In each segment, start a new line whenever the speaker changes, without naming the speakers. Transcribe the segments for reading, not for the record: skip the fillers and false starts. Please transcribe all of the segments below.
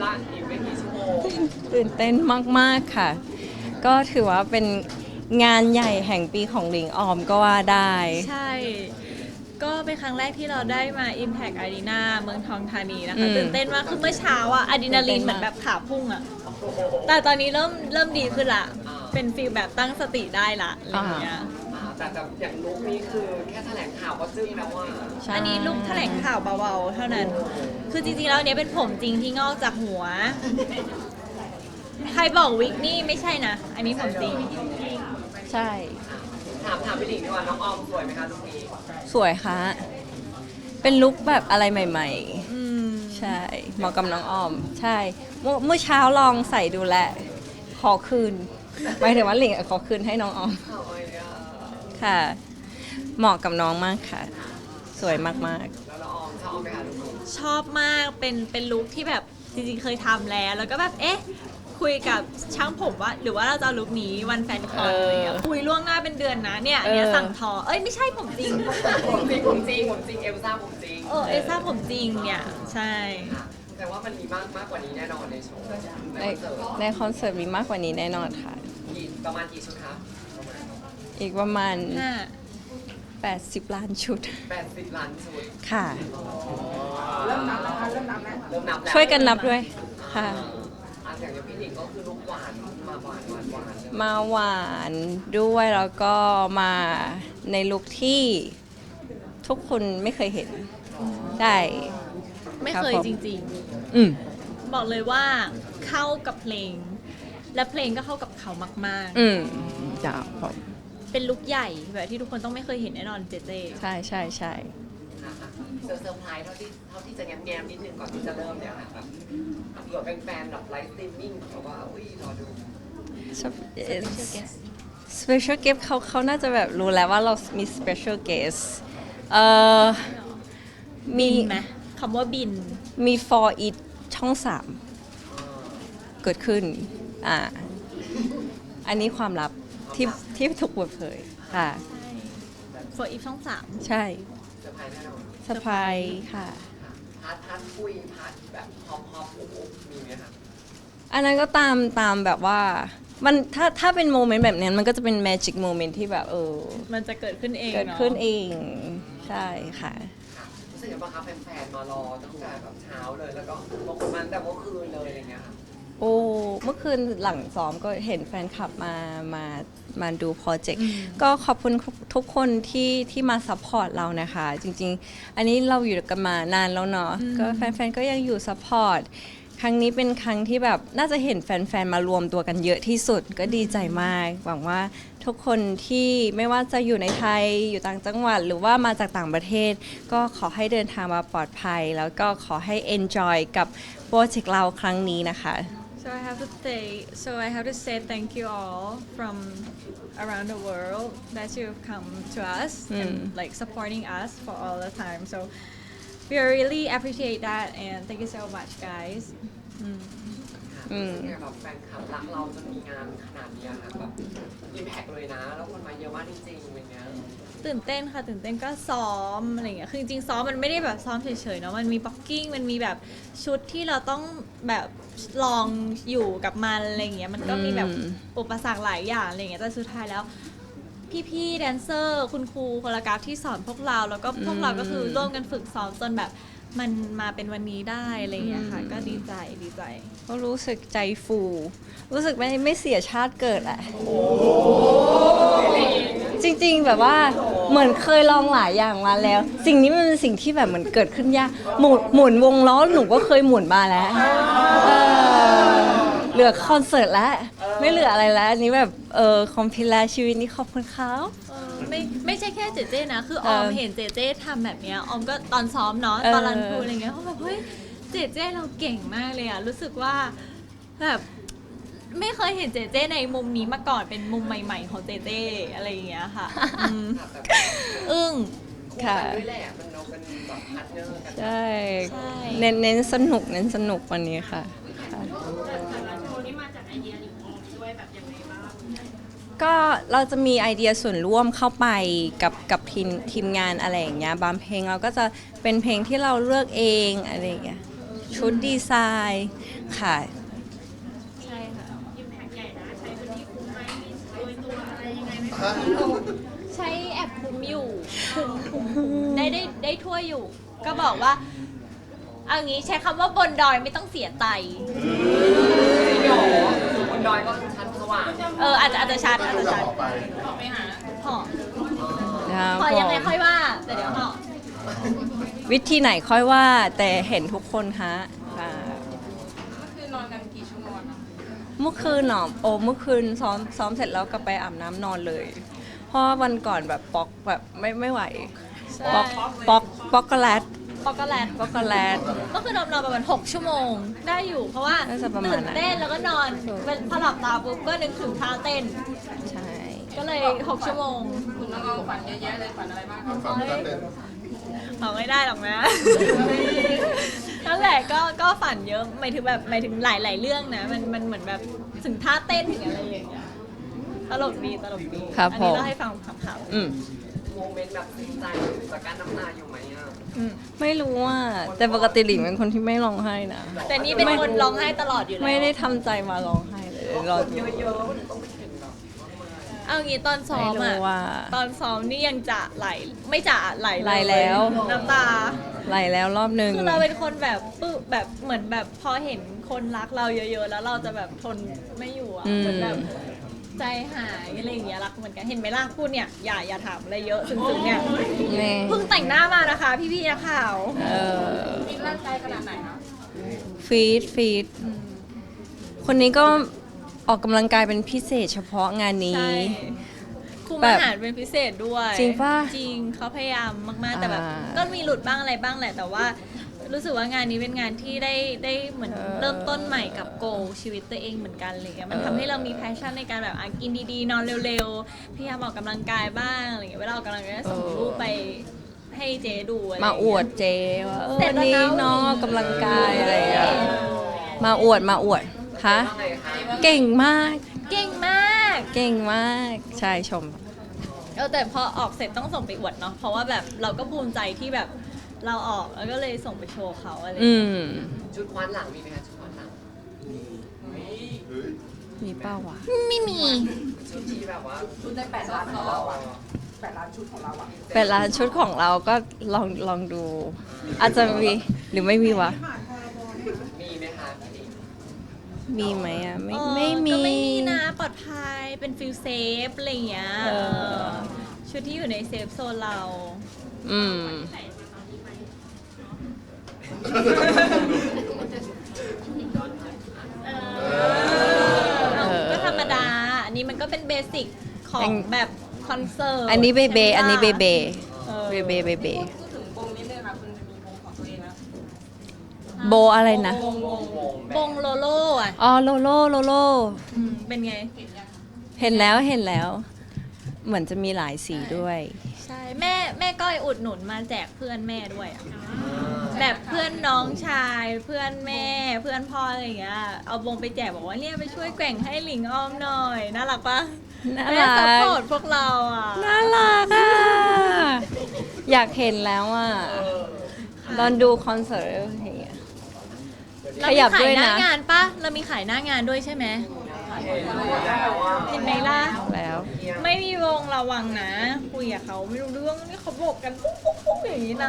ละอีกไม่กี่ชั่วโมง
ตื่นเต้นมากๆค่ะก็ถือว่าเป็นงานใหญ่แห่งปีของหลิงออมก็ว่าได้
ใช่ก็เป็นครั้งแรกที่เราได้มา Impact Arena เมืองทองธานีนะคะตื่นเต้นมากคือเมื่อเช้าอะอะดรีนาลีนเหมือนแบบขาพุ่งอะแต่ตอนนี้เริ่มดีขึ้นละเป็นฟีลแบบตั้งสติได้ละอะไรอย่างเงี้ย
แต่อย่างลุคนี้คือแค่แถลงข่าวก็จึ้งแล้วว่า
อันนี้ลุกแถลงข่าวเบาๆเท่านั้น คือจริงๆแล้วเนี้ยเป็นผมจริงที่งอกจากหัว ใครบอกวิกนี่ไม่ใช่นะ อันนี้ผมจริง
ใช่
ถามพี่หลิงดีกว่าน้องออมสวยไหมคะลุคนี้
สวยค่ะเป็นลุคแบบอะไรใหม่
อืม
ๆ ใช่เหมาะกับน้องออม ใช่เมื่อเช้าลองใส่ดูแลขอคืนหมายถึงว่าหลิงขอคืนให้น้องออมค่ะ เหมาะกับน้องมากค่ะ สวยมาก
แล้วน้องออมชอบไหมคะลุคนี้
ชอบมากเป็นลุคที่แบบจริงๆเคยทำแล้วก็แบบเอ๊ะคุยกับช่างผมว่าหรือว่าเราจะเอาลุคนี้วันแฟนคอนอะไรเงี้ยคุยล่วงหน้าเป็นเดือนนะเนี่ยสั่งทอเอ้ยไม่ใช่ผมจริง
ผมจริงเอลซ่าผมจริง
เอซ่าผมจริงเนี่ยใช่
แต่ว่ามันมีมากกว่านี้แน่นอนในโชว์
ๆในคอนเสิร์ตมีมากกว่านี้แน่นอนค่ะ
ประมาณกี่ชุดคะ
อีกประมาณ
5
80 ล้านชุด
80 ล้านชุด
ค่ะ
เริ่มนับแล้วเริ่มนับแล้ว
ช่วยกันนับด้วยค่ะ
อย่างพี่หลิงก็คือลุคหวานมาหวานเลย
มาหวานด้วยแล้วก็มาในลุคที่ทุกคนไม่เคยเห็นได้
ไม่เคยจริงๆบอกเลยว่าเข้ากับเพลงและเพลงก็เข้ากับเขามาก
จ้าผม
เป็นลุคใหญ่แบบที่ทุกคนต้องไม่เคยเห็นแน่นอนเจเจ
ใช่ใช่ใช่
เซอร์ไพรส์เท่าที่จะแง้มนิดนึงก่อนที่จะเริ่มเนี่ยค่ะแบบเผื่อแฟนๆแบบไลฟ์สตรีมมิ่งแบบว่าอุ้ยรอดู
special guest เขาน่าจะแบบรู้แล้วว่าเรามี special guest
บินไหมคำว่าบิน
มี for it ช่อง 3เกิดขึ้นอันนี้ความลับที่ถูกเปิดเผยค่ะ
for it ช่อง 3
ใช่
เซอร์ไพรส์แน่นอน
สะพายค่ะ
พัดคุยพัดแบบฮอปมีไหมคะ
อันนั้นก็ตามแบบว่ามันถ้าเป็นโมเมนต์แบบนี้มันก็จะเป็นแมจิกโมเมนต์ที่แบบ
มันจะเกิดขึ้นเอง
เกิดขึ้นเองใช่ค่ะ
รู้สึกยังไงบ้างคะแฟนๆมารอตั้งแต่แบบเช้าเลยแล้วก็บางคนมาแต่เมื่อคืนเลยอะไรเงี้ยค่ะ
โอ้เมื่อคืนหลังซ้อมก็เห็นแฟนคลับมาดูโปรเจกต์ก็ขอบคุณทุกคนที่มาซัพพอร์ตเรานะคะจริงๆอันนี้เราอยู่กันมานานแล้วเนาะก็แฟนๆก็ยังอยู่ซัพพอร์ตครั้งนี้เป็นครั้งที่แบบน่าจะเห็นแฟนๆมารวมตัวกันเยอะที่สุดก็ดีใจมากหวังว่าทุกคนที่ไม่ว่าจะอยู่ในไทยอยู่ต่างจังหวัดหรือว่ามาจากต่างประเทศก็ขอให้เดินทางมาปลอดภัยแล้วก็ขอให้ enjoy กับโปรเจกต์เราครั้งนี้นะคะ
So I have to say thank you all from around the world that you've come to us and like supporting us for all the time. So we really appreciate that and thank you so much, guys.
แบบแฟนคลับรักเราจนมีงานขนาดนี้ค่ะแบบอิมแพกเลยนะแล้วคนมาเยอะมากจริงๆอย่างเงี้ย
ตื่นเต้นค่ะตื่นเต้นก็ซ้อมอะไรอย่างเงี้ยคือจริงๆซ้อมมันไม่ได้แบบซ้อมเฉยๆเนาะมันมีบ็อกกิ้งมันมีแบบชุดที่เราต้องแบบลองอยู่กับมันอะไรอย่างเงี้ยมันก็มีแบบอุปสรรคหลายอย่างอะไรอย่างเงี้ยแต่สุดท้ายแล้วพี่ๆแดนเซอร์คุณครูโคโรกราฟที่สอนพวกเราแล้วก็พวกเราก็คือร่วมกันฝึกซ้อมจนแบบมันมาเป็นวันนี้ได้อะไรอย่างเงี้ยค่ะก็ดีใจ
ก็รู้สึกใจฟูรู้สึกไม่เสียชาติเกิดแหละจริงๆแบบว่าเหมือนเคยลองหลายอย่างมาแล้วสิ่งนี้มันเป็นสิ่งที่แบบเหมือนเกิดขึ้นยากหมุนวงล้อหนูก็เคยหมุนมาแล้วเหลือคอนเสิร์ตแล้วไม่เหลืออะไรแล้วอันนี้แบบคอมพิลาชีวิตนี้ขอบคุณเขา
ไม่ใช่แค่เจเจนะคือออมเห็นเจเจทำแบบเนี้ยออมก็ตอนซ้อมเนาะตอนรันทรูอะไรเงี้ยเขาแบบเฮ้ยเจเจเราเก่งมากเลยอะรู้สึกว่าแบบไม่เคยเห็นเจเจในมุมนี้มาก่อนเป็นมุมใหม่ๆของเจเจอะไรอย่างเงี้ยค่ะอึ้ง
ค่ะด้วยแหละมันเราเป็นแบบพาร์ทเนอร์กัน
ใช่เน้นสนุกวันนี้ค่ะก็เราจะมีไอเดียส่วนร่วมเข้าไปกับทีมงานอะไรอย่างเงี้ยบางเพลงเราก็จะเป็นเพลงที่เราเลือกเองอะไรอย่างเงี้ยชุดดีไซน์ค่ะ
ใช่ค่ะ
ฮะ
ใช้แอปคุ้มอยู่คุ้มได้ทั่วอยู่ ก็บอกว่าเอางี้ใช้คำว่าบนดอยไม่ต้องเสียไต
จริงเหรอบนดอยก็ชั้นสว่าง
อาจจะชัด
ก็
อาจ
ดู
จะ
อยาก
ชัด
ออกไป
พอ
ครับ
พอยังไง
ผม
ค่อยว่าแต่เดี๋ยวพอ
วิธีไหนค่อยว่าแต่เห็นทุกคนฮะค่ะ
คือนอนกันกี่ชั่วโมงอะ
เมื่อคืนเนาะโอ้เมื่อคืนซ้อมเสร็จแล้วก็ไปอาบน้ำนอนเลย เพราะว่าวันก่อนแบบป๊อกแบบไม่ไหว
ใช่
ป๊อกโกแลต
ปอกโกแลต
ป๊อกโกแลต
ก็คือนอนประมาณ6 ชั่วโมงได้อยู่ เพราะว่า
น่าจะประมาณ
ตื่น
นั้น
เต้นแล้วก็นอน
ถูก
พอหลับตาปุ๊บก็นึกถึงท่าเต้น
ใช่
ก็เลย 6 ชั่วโมง
คุณน้องๆฝันเยอะแยะเลยฝันอะไรบ้าง
ฝันไม่ได้เต้น
เอาไม่ได้หรอกนะ นั่นแหละก็ฝันเยอะหมายถึงหลายๆเรื่องนะมันเหมือนแบบถึงท่าเต้นถึงอะไรอย่างเงี้ยตลกดี
ครับ
อั
ผ
นี้
ม
เราให้ฟังข่าว
อืม
โมเมนต์แบบซึ้งใจจากการน้ำตาอยู่ไหมอ่ะ
ไม่รู้ว่าแต่ปกติหลิงเป็นคนที่ไม่ร้องไห้นะ
แต่นี่เป็นคนร้องไห้ตลอดอยู่แล้ว
ไม่ได้ทำใจมาร้องไห้เลยรอ
เยอะๆมันต้องไปถึงแบบ
เอางี้ตอนซ้อ
ไม่
ม
รู้
อะ
ว่า
ตอนซ้อมนี่ยังจะไหลไม่จะไหลเย
ไหลแล้ว
น้ำตา
ไหลแล้วรอบหนึ่ง
คือเราเป็นคนแบบปึ๊บแบบเหมือนแบบพอเห็นคนรักเราเยอะๆ แล้วเราจะแบบทนไม่อยู่อะเหมือนแบบใจหายอะไรอย่างเงี้ยรักเหมือนกันเห็นไหมล่ะพูดเนี่ยอย่าถามอะไรเยอะซึ้งๆเนี่ย
นี่
เพิ่งแต่งหน้ามานะคะ พี่ๆนักข่าว
เออ
มีร่างกายขนาดไหนคะ
ฟีดคนนี้ก็ออกกำลังกายเป็นพิเศษเฉพาะงานนี้
ใช่คุม
แบบ
อาหารเป็นพิเศษด้วย
จริงปะ
จริงเขาพยายามมากๆแต่แบบ
อ่า
ก็มีหลุดบ้างอะไรบ้างแหละ แต่ว่ารู้สึกว่างานนี้เป็นงานที่ได้เหมือนเริ่มต้นใหม่กับโกชีวิตตัวเองเหมือนกันอะไรเลยมันทำให้เรามีแพชชั่นในการแบบกินดีๆ นอนเร็วๆพยายามออกกำลังกายบ้างอะไรเงี้ยเวลาออกกำลังกายก็ส่งรูปไปให้เจ๊ดูอะไร
มา
เงี้ย
อวดเจว่า
เสร็
วั
จ
น
แล้ว
นี้
นะ
น้องออกกำลังกายอะไรอย่างเงี้ยมาอวดฮะ
ว่าไงคะ
เก่งมาก
เก่งมาก
เก่งมากใช่ชม
แต่พอออกเสร็จต้องส่งไปอวดเนาะเพราะว่าแบบเราก็ภูมิใจที่แบบเราออกแล้วก็เลยส่งไปโชว์เขาอะไร
อื
เงี้ย
ม
ชุดคว้านหลังมีไหมคะชุดคว้านหลัง
เฮ้ย
มีเป้าวะ
ไม่มี
ชุดที่แบบว่าชุดได้8 ล้านของเราอ่ะ8 ล้านชุดของเราอ่ะ
เป็นร้านชุดของเราก็ลองดู อาจจะมีหรือไม่มีวะ
มีไหมคะพี่
มีไหมอ่ะ ไม่
เออ
ไม่มี
ก็ไม่มีนะปลอดภัยเป็นฟิลเซฟอะไรอย่างเงี้ย
เออ
ชุดที่อยู่ในเซฟโซนเรา
อืม
ก็ธรรมดา อันนี้มันก็เป็นเบสิกของแบบคอนเสิร์ต
อันนี้เบเบอันนี้เบเบ
เออ
เบเบ
พูดถึงวงนิดนึงค่ะคุณจะมีวงของตัวเองนะ
โบอะไรนะ
วง
วงโลโล่อะ
อ๋อโลโล
เป็นไง
เห็นแล้ว เหมือนจะมีหลายสีด้วย
ใช่แม่ก้อยอุดหนุนมาแจกเพื่อนแม่ด้วยอะแบบเพื่อนน้องชาย เพื่อนแม่เพื่อนพ่ออะไรอย่างเงี้ยเอาวงไปแจกบอกว่าเนี่ยไปช่วยแกว่งให้หลิงอ้อมหน่อยน่ารักปะ
น่า
แม่
รั
ซัพ
ก
พอร์ตพวกเราอ่ะ
น่ารักอ่ะ อยากเห็นแล้วอ่ะตอนดูคอนเสิร์ตอย่างเงี้ย
เรา
ข
มี
ยับ
ขา
ด้วย ย
หน้า
นะ
งานปะเรามีขายหน้างานด้วยใช่ไหม เห็นไหมล่ะ
แล้ว
ไม่มีวงระวังนะ คุยกับเขาไม่รู้เรื่องนี่เขาบอกกันปุ๊บปุ๊บปุ๊บอย่างนี้นะ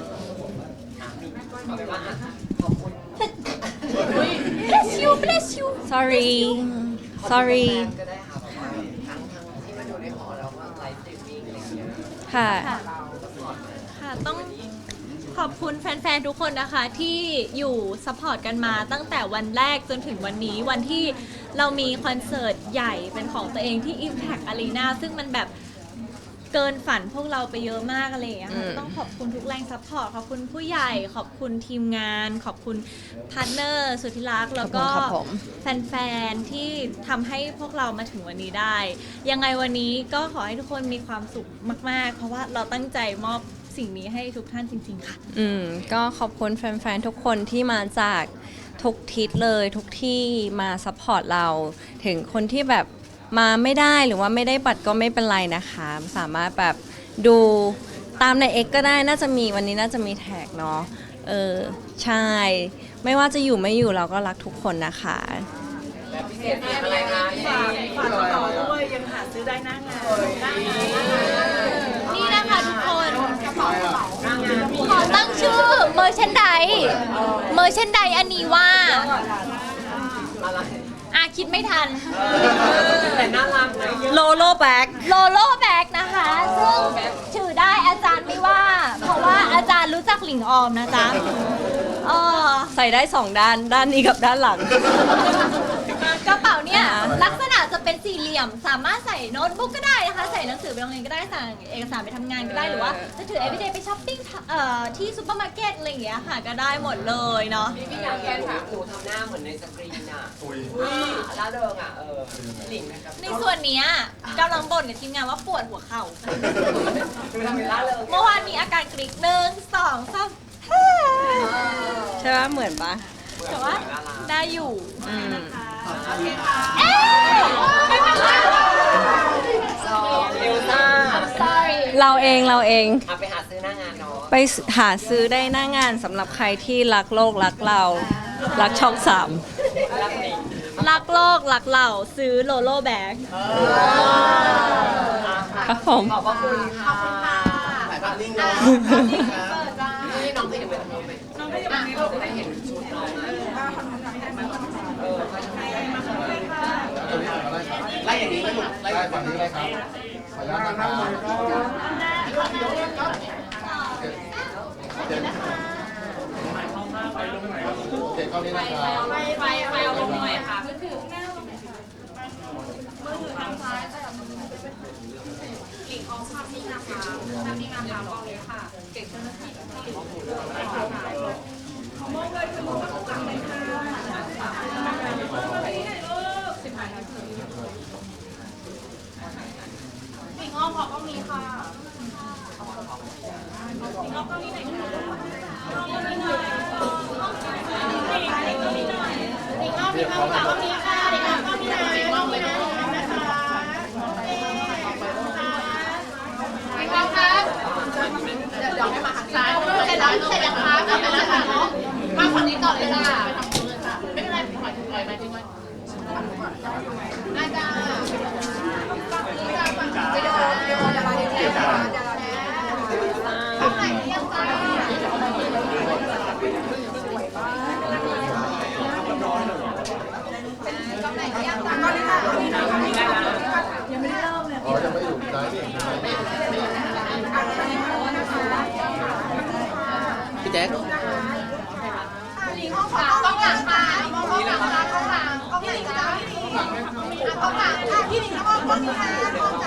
เอาเป็นว่าขอบคุณ
bless you bless you
sorry
ขอบคุณ
sorry
แฟนๆก็ได้ค่ะแบบว่าทั้งที่มาดูในหอแล้วก็ไลฟ์สตรีมมิ่งอะไรอย่างเงี้ย
ค่ะ
ค่ะ ค่ะต้องขอบคุณแฟนๆ ทุกคนนะคะ ที่อยู่ซัพพอร์ตกันมาตั้งแต่วันแรกจนถึงวันนี้วันที่เรามีคอนเสิร์ตใหญ่เป็นของตัวเองที่ Impact Arena ซึ่งมันแบบเกินฝันพวกเราไปเยอะมากอะไรอย่างเงี้ยค่ะต้องขอบคุณทุกแรงซัพพอร์ตขอบคุณผู้ใหญ่ ขอบคุณทีมงาน ขอบคุณพาร์ทเนอร์สุดที่รักแล้วก็
ขอบคุณครับผม
แฟนๆ ที่ทำให้พวกเรามาถึงวันนี้ได้ ยังไงวันนี้ก็ขอให้ทุกคนมีความสุขมากๆ เพราะว่าเราตั้งใจมอบสิ่งนี้ให้ทุกท่านจริง ๆ ค่ะ
ก็ขอบคุณแฟนๆ ทุกคนที่มาจากทุกทิศเลยทุกที่มาซัพพอร์ตเรา ถึงคนที่แบบมาไม่ได้หรือว่าไม่ได้บัตรก็ไม่เป็นไรนะคะ สามารถแบบดูตามใน X ก็ได้น่าจะมีวันนี้น่าจะมีแท็กเนาะใช่ ไม่ว่าจะอยู่ไม่อยู่เราก็รักทุกคนนะคะ
และพิเศษเป็นอะไรคะ
ฝากต่อด้วย
นี่นะคะทุกคนขอตั้งชื่อเมอร์ชันไดอันนี้ว่า
อะไร
คิดไม่ทัน
แต่น่ารักนะ
โลโลแบ็ก
โลโลแบ็กนะคะ ซึ่งถือได้อาจารย์ไม่ว่า เพราะว่าอาจารย์รู้จักหลิงออมนะจ๊ะ
ใส่ได้2 ด้าน ด้านนี้กับด้านหลัง
กระเป๋าเนี่ยลักษณะจะเป็นสี่เหลี่ยม สามารถใส่โน้ตบุ๊กก็ได้นะคะ ใส่หนังสือไปโรงเรียนก็ได้ใส่เอกสารไปทำงานก็ได้หรือว่าจะถือ everyday ไปช้อปปิ้งที่ซูเปอร์มาร์เก็ตอะไรอย่างเงี้ยค่ะก็ได้หมดเลยเนาะ
พี่อยากแฟนถามหนูทำหน้าเหมือนในสกรีนอ่ะ
อุ้ย
ล่าเริงอ่ะหลิงนะครับ
ในส่วนเนี้ยกำลังบ่นกับทีมงานว่าปวดหัวเข่า
คือทำเป็นล่าเริง
เมื่อวานมีอาการกรี๊ด1 2 3
ใช่ปะเหมือนปะ
แต่ว่าได้อยู่
อืม
เอ๊ะ
เอลซ่า
sorry
เราเอง
เอาไปหาซื้อหน้างานเนาะ
ไปหาซื้อได้หน้างานสำหรับใครที่รักโลกรักเรา รักช่อง3
รักหลิง
รักโลกรักเราซื้อโลโลแบ็ก
ครับผม
ขอบพระคุณค่ะ
ถ่ายภาพนิ่งเนาะ
นี่น้องไปเห็นไปทำไมน้องไปเห็นแบบนี้เราจะได้เห็นชุดน้องไล่อย่างนี้ก็หมดไล่
ได้ฝั่งนี้เลยครับขออนุญาตนะครับเจ็ดเข้านี้นะครับ
ไปเอาลงหน่อยค่ะ
อ๋อยังไม่อยู่ได้นี่พี่แจ๊ค
ต้องหลังค่ะต้องหลังค่ะต้องหลังต้องหลังค่ะพี่หลิงต้องหลังค่ะพี่หลิงต้องหลังค่ะ